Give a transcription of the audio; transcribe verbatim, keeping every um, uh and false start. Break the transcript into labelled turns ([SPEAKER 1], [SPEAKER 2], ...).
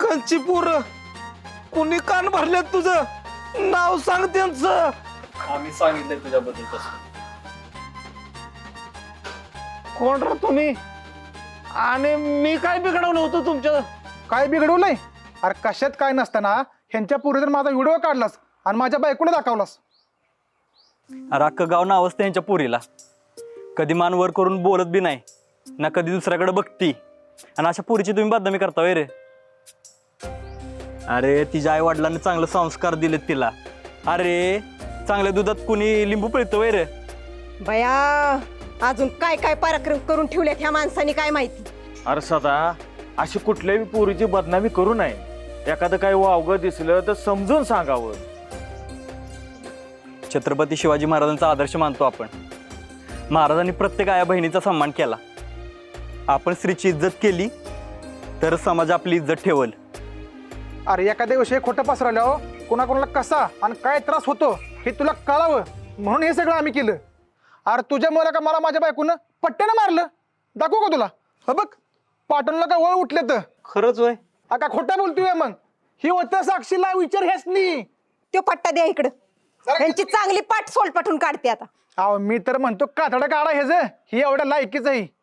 [SPEAKER 1] कंची पोर कुणी कान भरले तुझं नाव सांग त्यांचं.
[SPEAKER 2] आम्ही सांगितलंय तुझ्याबद्दल तसं.
[SPEAKER 1] कोण रा तुम्ही आणि मी काय बिघडवलं होतं तुमच्या?
[SPEAKER 3] काय बिघडवलंय? अरे कशात काय नसताना ह्यांच्या पोरीवर माझा व्हिडिओ काढलास आणि माझ्या बायकोला दाखवलास.
[SPEAKER 2] अरे अख्खं गाव नावच त्यांच्या पुरीला. कधी मान वर करून बोलत बी नाही ना कधी दुसऱ्याकडे बघती. आणि अशा पुरीची तुम्ही बदनामी करता वय रे? अरे तिच्या आई वडिलांनी चांगले संस्कार दिलेत तिला. अरे चांगल्या दुधात कुणी लिंबू पिळतं वय रे?
[SPEAKER 4] बया अजून काय काय पराक्रम करून ठेवलेत ह्या माणसानी काय माहिती.
[SPEAKER 5] अरे सदा अशी कुठल्याही पोरीची बदनामी करू नये. एखादं काही वावगं दिसलं तर समजून सांगावं.
[SPEAKER 2] छत्रपती शिवाजी महाराजांचा आदर्श मानतो आपण. महाराजांनी प्रत्येक आया बहिणीचा सन्मान केला. आपण स्त्रीची इज्जत केली तर समाज आपली इज्जत ठेवल.
[SPEAKER 3] अरे एखाद्या विषयी खोटं पसरवल्यावर कोणाकोणाला कसा आणि काय त्रास होतो हे तुला कळावं म्हणून हे सगळं आम्ही केलं. अरे तुझ्यामुळे का मला माझ्या बायकोनं पट्ट्यानं मारलं. दाखवू का तुला? ह बघ पाटणला का वळ उठले तर.
[SPEAKER 2] खरंच वय?
[SPEAKER 3] का खोटं बोलतोय मग? ही होतं साक्षीला विचार हेच नाही.
[SPEAKER 4] तो पट्टा द्या इकडं. ह्यांची चांगली पाठ सोलपाटून काढते आता.
[SPEAKER 3] अहो मी तर म्हणतो कातडं काढा हेच ही एवढ्या लायकीच आहे.